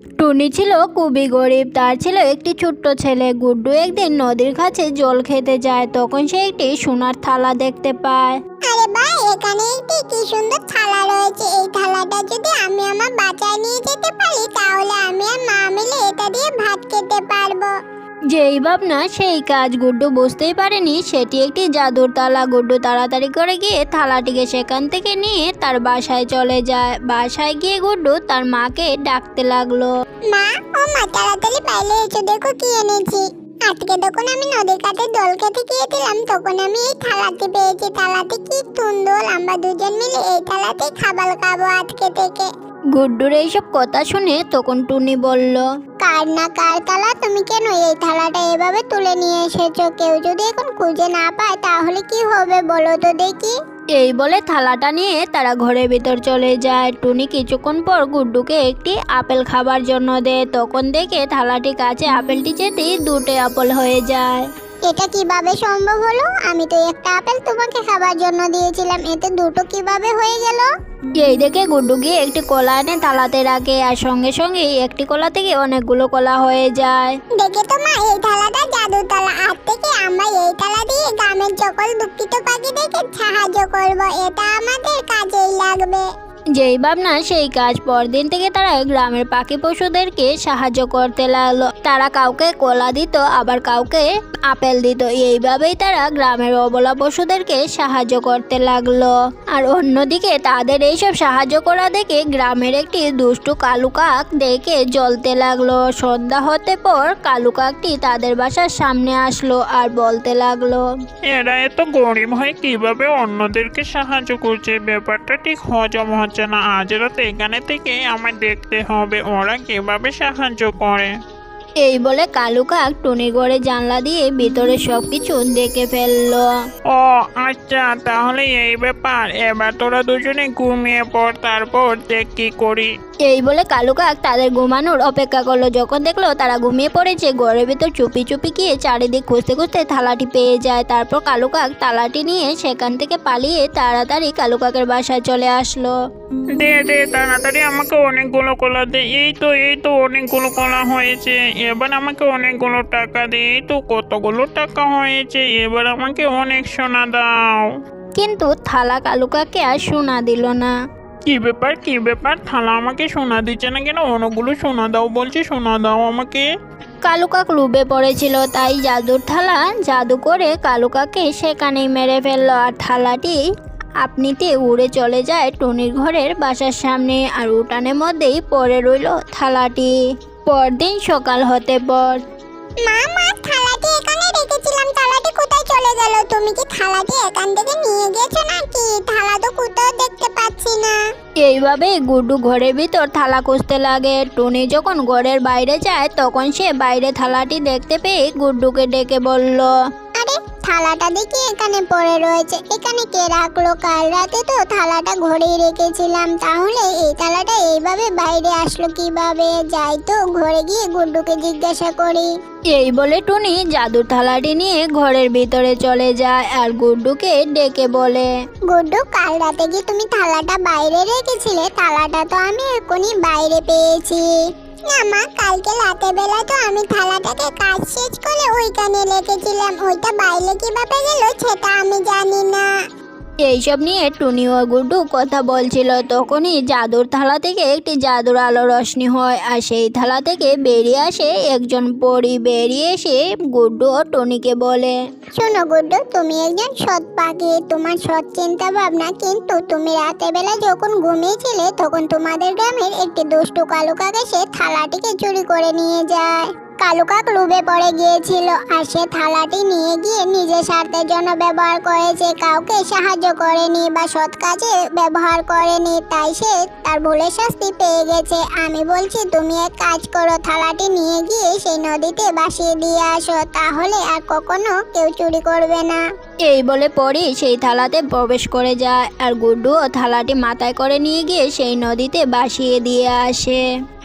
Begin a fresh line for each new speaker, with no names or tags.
টুনি ছিল খুবই গরিব। তার ছিল একটি ছোট্ট ছেলে। গুড্ডু একদিন নদীর কাছে জল খেতে যায়। তখন সে একটি সোনার থালা দেখতে পায়।
আরে ভাই, এখানে একটি কি সুন্দর থালা রয়েছে। এই থালাটা যদি আমি আমার বাসায় নিয়ে যেতে পারি তাহলে আমি আর মা মিলে এটা দিয়ে ভাত খেতে পারবো।
যেই ভাবনা সেই কাজ। গুড্ডু বুঝতেই পারেনি সেটি একটি জাদুর থালা। গুড্ডু তাড়াতাড়ি করে গিয়ে থালাটিকে সেখান থেকে নিয়ে তার বাসায় চলে যায়। বাসায় গিয়ে গুড্ডু তার মাকে ডাকতে লাগলো।
মা, ও মা, তাড়াতাড়ি বাইরে এসো, দেখো কি এনেছি। আজকে যখন আমি নদীর কাছে জল খেতে গিয়েছিলাম তখন আমি এই থালাটি পেয়েছি। থালাটি কি সুন্দর, আমরা দুজন মিলে এই থালাতে খাবার খাবো আজকে থেকে।
গুড্ডুর এইসব কথা শুনে তখন টুনি বলল,
কার না কার থালা, তুমি কেন এই থালাটা এভাবে তুলে নিয়ে এসেছো? কেউ যদি এখন খুঁজে না পায় তাহলে কি হবে বলো তো দেখি।
এই বলে থালাটা নিয়ে তারা ঘরের ভিতর চলে যায়। টুনি কিছুক্ষণ পর গুড্ডুকে একটি আপেল খাবার জন্য দেয়। তখন দেখে থালাটি কাছে আপেলটি যেতেই দুটো আপেল হয়ে যায়।
এটা কিভাবে সম্ভব হলো? আমি তো একটা আপেল তোমাকে খাবার জন্য দিয়েছিলাম, এতে দুটো কিভাবে হয়ে গেল?
এই দেখে গুড্ডু গিয়ে একটি কলা এনে থালাতে রাখে আর সঙ্গে সঙ্গে একটি কলা থেকে অনেকগুলো কলা হয়ে যায়।
দেখে তো মা, এই থালাটা জাদুর থালা। আজ থেকে আমরা এই থালা দিয়ে গ্রামের সকল দুঃখিত পাখিদেরকে সাহায্য করব। এটা আমাদের কাজেই লাগবে।
যেই ভাবনা সেই কাজ। পরদিন থেকে তারা গ্রামের পাখি পশুদেরকে সাহায্য করতে লাগলো। তারা কাউকে কলা দিত, আবার কাউকে আপেল দিত। এইভাবেই তারা গ্রামের অবলা পশুদেরকে সাহায্য করতে লাগলো। আর অন্যদিকে তাদের এইসব সাহায্য করা দেখে গ্রামের একটি দুষ্টু কালু কাক দেখে জ্বলতে লাগলো। সন্ধ্যা হতে পর কালু কাকটি তাদের বাসার সামনে আসলো আর বলতে লাগলো,
এরা এত গরিব হয়ে কিভাবে অন্যদেরকে সাহায্য করছে? ব্যাপারটা ঠিক হজম হচ্ছে না। আজ রাতে এখানে থেকে আমায় দেখতে হবে ওরা কিভাবে সাহায্য করে।
এই বলে কালু কাক টুনি ঘরে জানলা দিয়ে ভিতরে সবকিছু দেখে ফেললো।
ও আচ্ছা, তাহলে এই ব্যাপার। এবার তোরা দুজনে ঘুমিয়ে পড়, তারপর দেখ কি করি।
এই বলে কালু কাক তাদের ঘুমানোর অপেক্ষা করলো। যখন দেখলো তারা ঘুমিয়ে পড়েছে, ঘরের ভিতর চুপি চুপি গিয়ে চারিদিক খুঁজতে খুঁজতে থালাটি পেয়ে যায়। তারপর কালু কাক থালাটি নিয়ে সেখান থেকে পালিয়ে তাড়াতাড়ি কালু কাকের বাসায় চলে আসলো।
দে দে তাড়াতাড়ি আমাকে অনেকগুলো কলা দে। এই তো অনেকগুলো কলা হয়েছে। এবার আমাকে অনেকগুলো টাকা দে। এই তো কতগুলো টাকা হয়েছে। এবার আমাকে অনেক সোনা দাও।
কিন্তু থালা কালু কাককে আর সোনা দিল না।
কি ব্যাপার? থালা আমাকে সোনা দিচ্ছে না কেন? অনেকগুলো সোনা দাও বলছি, সোনা দাও আমাকে।
কালু কাক লোভে পড়েছিল, তাই জাদুর থালা জাদু করে কালু কাককে সেখানেই মেরে ফেললো। আর থালাটি আপনিতে উড়ে চলে যায় টুনির ঘরের বাসার সামনে। আর উঠানের মধ্যেই পড়ে রইল থালাটি। পরদিন সকাল হতে পর,
মা, থালাটি এখানে রেখেছিলাম, থালাটি কোথায় চলে গেল? তুমি কি থালাটি এখান থেকে নিয়ে গেছো নাকি? থালা তো কোথাও দেখতে পাচ্ছি না।
এইভাবে গুড্ডু ঘরের ভিতর থালা খুঁজতে লাগে। টুনি যখন ঘরের বাইরে যায় তখন সে বাইরে থালাটি দেখতে পেয়ে গুড্ডুকে ডেকে বলল,
আরে, থালাটা দেখি এখানে পড়ে রয়েছে। এখানে কে রাখলো? কাল রাতে তো থালাটা ঘরেই রেখেছিলাম, তাহলে এই থালাটা এইভাবে বাইরে আসলো কিভাবে? যাই তো ঘরে গিয়ে গুড্ডুকে জিজ্ঞাসা করি।
এই বলে টুনি জাদুর থালাটি নিয়ে ঘরের ভিতরে চলে যায় আর গুড্ডুকে ডেকে বলে,
গুড্ডু, কাল রাতে কি তুমি থালাটা বাইরে রেখেছিলে? থালাটা তো আমি এখনই বাইরে পেয়েছি। না মা, কালকে রাতে বেলা তো আমি থালাটাকে কাজ শেষ করে ওইখানে রেখেছিলাম। ওইটা বাইরে কিভাবে গেল সেটা আমি জানি না।
এইসব নিয়ে টুনি ও গুড্ডু কথা বলছিল। তখনই জাদুর থালা থেকে একটি জাদুর আলো রশ্মি হয় আর সেই থালা থেকে বেরিয়ে আসে একজন পরী। বেরিয়ে এসে গুড্ডু ও টুনিকে বলে,
শোনো গুড্ডু, তুমি একজন সৎ পাখি, তোমার সৎ চিন্তা ভাবনা, কিন্তু তুমি রাতে বেলা যখন ঘুমিয়েছিলে তখন তোমাদের গ্রামের একটি দুষ্টু কালু কাক এসে থালাটিকে চুরি করে নিয়ে যায়। কালু কাক লোভে পড়ে গিয়েছিল আর সে থালাটি নিয়ে গিয়ে নিজের স্বার্থের জন্য ব্যবহার করেছে, কাউকে সাহায্য করেনি বা সৎ কাজে ব্যবহার করেনি, তাই সে তার ভুলের শাস্তি পেয়ে গেছে। আমি বলছি তুমি এক কাজ করো, থালাটি নিয়ে গিয়ে সেই নদীতে ভাসিয়ে দিয়ে আসো, তাহলে আর কখনো কেউ চুরি করবে না।
এই বলে পরী সেই থালাতে প্রবেশ করে যায় আর গুড্ডু ও থালাটি মাথায় করে নিয়ে গিয়ে সেই নদীতে ভাসিয়ে দিয়ে আসে।